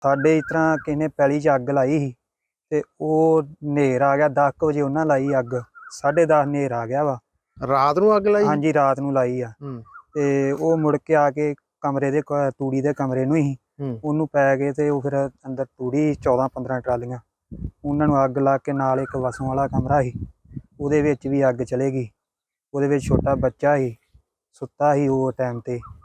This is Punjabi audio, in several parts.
ਸਾਡੇ ਇਸ ਤਰ੍ਹਾਂ ਕਿਸੇ ਨੇ ਪੈਲੀ 'ਚ ਅੱਗ ਲਾਈ ਸੀ ਤੇ ਉਹ ਹਨੇਰ ਆ ਗਿਆ 10 ਕੁ ਵਜੇ ਉਹਨਾਂ ਲਾਈ ਅੱਗ 10:30 ਹਨੇਰ ਆ ਗਿਆ ਵਾ। ਰਾਤ ਨੂੰ ਅੱਗ ਲਾਈ? ਹਾਂਜੀ ਰਾਤ ਨੂੰ ਲਾਈ ਆ। ਤੇ ਉਹ ਮੁੜ ਕੇ ਆ ਕੇ ਕਮਰੇ ਦੇ ਤੂੜੀ ਦੇ ਕਮਰੇ ਨੂੰ ਹੀ ਉਹਨੂੰ ਪੈ ਗਏ ਤੇ ਉਹ ਫਿਰ ਅੰਦਰ ਤੂੜੀ 14-15 ਟਰਾਲੀਆਂ ਉਹਨਾਂ ਨੂੰ ਅੱਗ ਲਾ ਕੇ ਨਾਲ ਇੱਕ ਵਸੋਂ ਵਾਲਾ ਕਮਰਾ ਸੀ ਉਹਦੇ ਵਿੱਚ ਵੀ ਅੱਗ ਚਲੇ ਗਈ। ਉਹਦੇ ਵਿੱਚ ਛੋਟਾ ਬੱਚਾ ਸੀ ਸੁੱਤਾ ਸੀ ਉਹ ਟਾਈਮ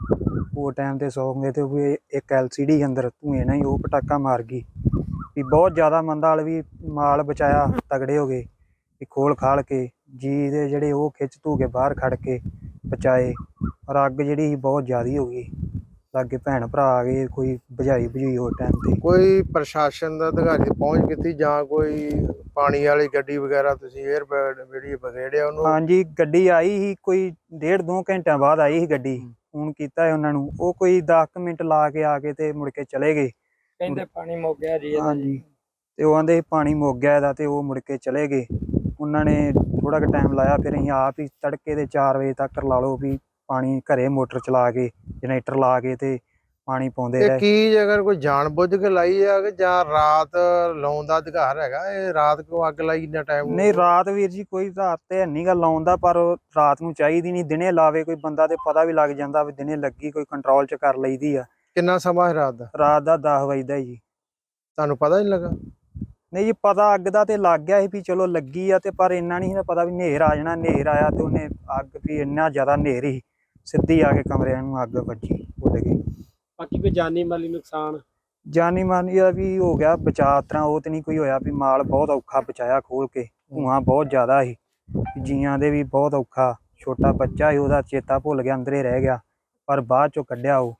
ਤੇ ਸੌਂ ਗਏ ਤੇ ਉਹ ਇੱਕ LCD ਅੰਦਰ ਧੂਏ ਨਾਲ ਹੀ ਉਹ ਪਟਾਕਾ ਮਾਰ ਗਈ ਵੀ ਬਹੁਤ ਜ਼ਿਆਦਾ ਮੰਦਾ ਹਾਲ ਵੀ ਮਾਲ ਬਚਾਇਆ ਤਗੜੇ ਹੋ ਗਏ ਵੀ ਖੋਲ ਖਾਲ ਕੇ ਜੀ ਦੇ ਜਿਹੜੇ ਉਹ ਖਿੱਚ ਧੂ ਕੇ ਬਾਹਰ ਖੜ ਕੇ ਬਚਾਏ। ਪਰ ਅੱਗ ਜਿਹੜੀ ਸੀ ਬਹੁਤ ਜ਼ਿਆਦਾ ਹੋ ਗਈ ਲਾਗੇ ਭੈਣ ਭਰਾ ਆ ਗਏ ਕੋਈ ਬੁਝਾਈ ਉਸ ਟਾਈਮ ਤੇ। ਕੋਈ ਪ੍ਰਸ਼ਾਸਨ ਦਾ ਅਧਿਕਾਰੀ ਪਹੁੰਚ ਕੀਤੀ ਜਾਂ ਕੋਈ ਪਾਣੀ ਵਾਲੀ ਗੱਡੀ ਵਗੈਰਾ ਤੁਸੀਂ ਜਿਹੜੀ ਬਗੇੜਿਆ ਉਹਨੂੰ? ਹਾਂਜੀ ਗੱਡੀ ਆਈ ਸੀ ਕੋਈ 1.5-2 ਘੰਟਿਆਂ ਬਾਅਦ ਆਈ ਸੀ ਗੱਡੀ। ਫੋਨ ਕੀਤਾ ਉਹਨਾਂ ਨੂੰ ਉਹ ਕੋਈ 10 ਮਿੰਟ ਲਾ ਕੇ ਆ ਕੇ ਤੇ ਮੁੜ ਕੇ ਚਲੇ ਗਏ। ਕਹਿੰਦੇ ਪਾਣੀ ਮੁੱਕ ਗਿਆ ਜੀ। ਹਾਂਜੀ ਤੇ ਉਹ ਆਂਦੇ ਪਾਣੀ ਮੁੱਕ ਗਿਆ ਇਹਦਾ ਤੇ ਉਹ ਮੁੜ ਕੇ ਚਲੇ ਗਏ। ਉਹਨਾਂ ਨੇ ਥੋੜਾ ਕੁ ਟਾਈਮ ਲਾਇਆ ਫਿਰ ਅਸੀਂ ਆਪ ਹੀ ਤੜਕੇ ਦੇ 4 ਵਜੇ ਤੱਕ ਲਾ ਲਓ ਵੀ ਪਾਣੀ ਘਰੇ ਮੋਟਰ ਚਲਾ ਕੇ ਜਨਰੇਟਰ ਲਾ ਕੇ ਤੇ ਪਾਣੀ ਪਾਉਂਦੇ ਰਹੇ। ਕੀ ਅਗਰ ਕੋਈ ਜਾਣ ਬੁੱਝ ਕੇ ਲਾਈ ਆ ਕਿ ਜਾਂ ਰਾਤ ਲਾਉਣ ਦਾ ਅਧਿਕਾਰ ਹੈਗਾ? ਇਹ ਰਾਤ ਕਿਉਂ ਅੱਗ ਲਾਈ ਇੰਨਾ ਟਾਈਮ? ਨਹੀਂ ਰਾਤ ਵੀਰ ਜੀ ਕੋਈ ਰਾਤ ਤੇ ਨਹੀਂ ਗਾ ਲਾਉਣ ਦਾ ਪਰ ਰਾਤ ਨੂੰ ਚਾਹੀਦੀ ਨਹੀਂ ਦਿਨੇ ਲਾਵੇ ਕੋਈ ਬੰਦਾ ਤੇ ਪਤਾ ਵੀ ਲੱਗ ਜਾਂਦਾ ਵੀ ਦਿਨੇ ਲੱਗੀ ਕੋਈ ਕੰਟਰੋਲ ਚ ਕਰ ਲਈਦੀ ਆ। ਕਿੰਨਾ ਸਮਾਂ ਹੈ ਰਾਤ ਦਾ? ਰਾਤ ਦਾ 10 ਵਜੇ ਦਾ ਜੀ। ਤੁਹਾਨੂੰ ਪਤਾ ਨਹੀਂ ਲੱਗਾ? ਨਹੀਂ ਜੀ ਪਤਾ ਅੱਗ ਦਾ ਤੇ ਲੱਗ ਗਿਆ ਸੀ ਵੀ ਚਲੋ ਲੱਗੀ ਆ ਤੇ ਪਰ ਇੰਨਾ ਨਹੀਂ ਪਤਾ ਵੀ ਹਨੇਰ ਆ ਜਾਣਾ। ਹਨੇਰ ਆਇਆ ਤੇ ਉਹਨੇ ਅੱਗ ਵੀ ਇੰਨਾ ਜ਼ਿਆਦਾ ਹਨੇਰ ਸੀ ਸਿੱਧੀ ਆ ਕੇ ਕਮਰਿਆਂ ਨੂੰ ਅੱਗ ਵੱਜੀ ਉੱਡ ਗਈ। ਬਾਕੀ ਕੋਈ ਜਾਨੀ ਮਾਲੀ ਨੁਕਸਾਨ? ਜਾਨੀ ਮਾਨੀ ਦਾ ਵੀ ਹੋ ਗਿਆ ਬਚਾਅ ਤਰ੍ਹਾਂ ਉਹ ਤੇ ਨਹੀਂ ਕੋਈ ਹੋਇਆ ਵੀ ਮਾਲ ਬਹੁਤ ਔਖਾ ਬਚਾਇਆ ਖੋਲ ਕੇ ਧੂੰਆਂ ਬਹੁਤ ਜ਼ਿਆਦਾ ਸੀ ਜੀਆਂ ਦੇ ਵੀ ਬਹੁਤ ਔਖਾ। ਛੋਟਾ ਬੱਚਾ ਸੀ ਉਹਦਾ ਚੇਤਾ ਭੁੱਲ ਗਿਆ ਅੰਦਰੇ ਰਹਿ ਗਿਆ ਪਰ ਬਾਅਦ ਚੋਂ ਕੱਢਿਆ ਉਹ।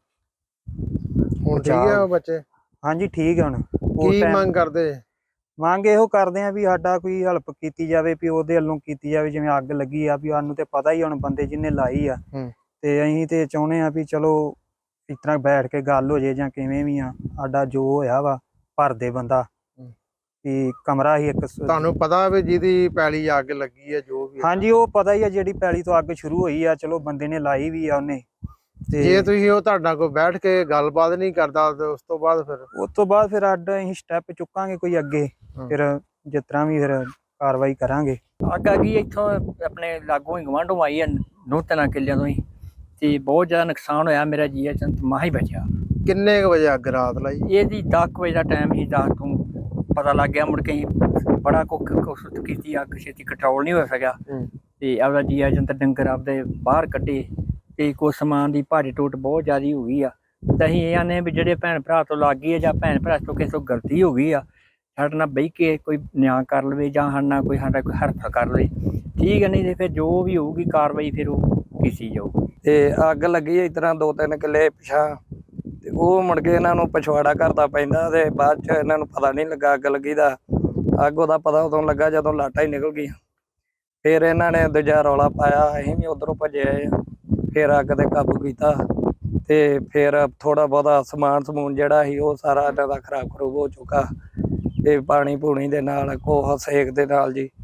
ਹੁਣ ਠੀਕ ਆ ਉਹ ਬੱਚੇ? ਹਾਂਜੀ ਠੀਕ ਹੁਣ। ਕੀ ਮੰਗ ਕਰਦੇ? ਮੰਗ ਇਹੋ ਕਰਦੇ ਆ ਵੀ ਸਾਡਾ ਕੋਈ ਹੈਲਪ ਕੀਤੀ ਜਾਵੇ ਵੀ ਉਹਦੇ ਵੱਲੋਂ ਕੀਤੀ ਜਾਵੇ ਜਿਵੇਂ ਅੱਗ ਲੱਗੀ ਆ ਵੀ ਸਾਨੂੰ ਤੇ ਪਤਾ ਹੀ ਹੁਣ ਬੰਦੇ ਜਿਹਨੇ ਲਾਈ ਆ ਤੇ ਅਸੀਂ ਤੇ ਚਾਹੁੰਦੇ ਆ ਵੀ ਚਲੋ ਇਸ ਤਰ੍ਹਾਂ ਬੈਠ ਕੇ ਗੱਲ ਹੋ ਜੇ ਜਾਂ ਕਿਵੇਂ ਵੀ ਆ ਸਾਡਾ ਜੋ ਹੋਇਆ ਵਾ ਭਰ ਦੇ ਬੰਦਾ ਵੀ ਕਮਰਾ ਹੀ ਇੱਕ। ਤੁਹਾਨੂੰ ਪਤਾ ਵੀ ਜਿਹਦੀ ਪੈਲੀ ਅੱਗ ਲੱਗੀ ਆ ਜੋ ਵੀ? ਹਾਂਜੀ ਉਹ ਪਤਾ ਹੀ ਆ ਜਿਹੜੀ ਪੈਲੀ ਤੋਂ ਅੱਗ ਸ਼ੁਰੂ ਹੋਈ ਆ ਚਲੋ ਬੰਦੇ ਨੇ ਲਾਈ ਵੀ ਆ ਉਹਨੇ। ਤੇ ਜੇ ਤੁਸੀਂ ਉਹ ਤੁਹਾਡਾ ਕੋਈ ਬੈਠ ਕੇ ਗੱਲਬਾਤ ਨਹੀਂ ਕਰਦਾ ਤੇ ਉਸ ਤੋਂ ਬਾਅਦ ਫਿਰ ਅੱਡ ਅਸੀਂ ਸਟੈਪ ਚੁੱਕਾਂਗੇ ਕੋਈ ਅੱਗੇ ਫਿਰ ਜਿਸ ਤਰ੍ਹਾਂ ਵੀ ਫਿਰ ਕਾਰਵਾਈ ਕਰਾਂਗੇ। ਅੱਗ ਆ ਗਈ ਇੱਥੋਂ ਆਪਣੇ ਲਾਗੋਂ ਹੀ ਗਵਾਂਢੋਂ ਆਈ ਆ 9-3 ਕਿੱਲਿਆਂ ਤੋਂ ਹੀ ਤੇ ਬਹੁਤ ਜ਼ਿਆਦਾ ਨੁਕਸਾਨ ਹੋਇਆ। ਮੇਰਾ ਜੀਆ ਚੰਦ ਮਾਹ ਹੀ ਬਚਿਆ। ਕਿੰਨੇ ਕੁ ਵਜੇ ਅੱਗ ਰਾਤ ਲਾਈ? ਇਹਦੀ 10 ਵਜੇ ਦਾ ਟਾਈਮ ਸੀ। 10 ਤੋਂ ਪਤਾ ਲੱਗ ਗਿਆ ਮੁੜ ਕੇ ਬੜਾ ਕੋਸ਼ਿਸ਼ ਕੀਤੀ ਅੱਗ ਛੇਤੀ ਕੰਟਰੋਲ ਨਹੀਂ ਹੋ ਸਕਿਆ ਤੇ ਆਪਦਾ ਜੀਆ ਚੰਦ ਡੰਗਰ ਆਪਦੇ ਬਾਹਰ ਕੱਢੇ ਤੇ ਕੁਛ ਸਮਾਨ ਦੀ ਭਾਰੀ ਟੁੱਟ ਬਹੁਤ ਜ਼ਿਆਦਾ ਹੋ ਗਈ ਆ। ਤੇ ਅਸੀਂ ਇਹ ਆਨੇ ਵੀ ਜਿਹੜੇ ਭੈਣ ਭਰਾ ਤੋਂ ਲੱਗ ਗਈ ਆ ਜਾਂ ਭੈਣ ਭਰਾ ਤੋਂ ਕਿਸੇ ਤੋਂ ਗਲਤੀ ਹੋ ਗਈ ਆ ਸਾਡੇ ਨਾਲ ਬਹਿ ਕੇ ਕੋਈ ਨਿਆਂ ਕਰ ਲਵੇ ਜਾਂ ਸਾਡਾ ਕੋਈ ਹਰਫ ਕਰ ਲਵੇ ਠੀਕ ਹੈ। ਨਹੀਂ ਤੇ ਫਿਰ ਜੋ ਵੀ ਹੋਊਗੀ ਕਾਰਵਾਈ ਫਿਰ ਉਹ ਕੀਤੀ ਜਾਊ। ਤੇ ਅੱਗ ਲੱਗੀ ਇਸ ਤਰ੍ਹਾਂ 2-3 ਕਿੱਲੇ ਪਿਛਾਂ ਤੇ ਉਹ ਮੁੜ ਕੇ ਇਹਨਾਂ ਨੂੰ ਪਛਵਾੜਾ ਕਰਦਾ ਪੈਂਦਾ ਤੇ ਬਾਅਦ ਚ ਇਹਨਾਂ ਨੂੰ ਪਤਾ ਨਹੀਂ ਲੱਗਾ ਅੱਗ ਲੱਗੀ ਦਾ। ਅੱਗ ਉਹਦਾ ਪਤਾ ਉਦੋਂ ਲੱਗਾ ਜਦੋਂ ਲਾਟਾਂ ਹੀ ਨਿਕਲ ਗਈਆਂ। ਫਿਰ ਇਹਨਾਂ ਨੇ ਦੂਜਾ ਰੌਲਾ ਪਾਇਆ ਅਸੀਂ ਵੀ ਉੱਧਰੋਂ ਭੱਜੇ ਆਏ ਆ। ਫਿਰ ਅੱਗ ਤੇ ਕਾਬੂ ਕੀਤਾ ਤੇ ਫਿਰ ਥੋੜਾ ਬਹੁਤਾ ਸਮੂਨ ਜਿਹੜਾ ਸੀ ਉਹ ਸਾਰਾ ਇਹਨਾਂ ਦਾ ਖਰਾਬ ਹੋ ਚੁੱਕਾ ਤੇ ਪਾਣੀ ਪੂਣੀ ਦੇ ਨਾਲ ਕੋਹ ਸੇਕ ਦੇ ਨਾਲ ਜੀ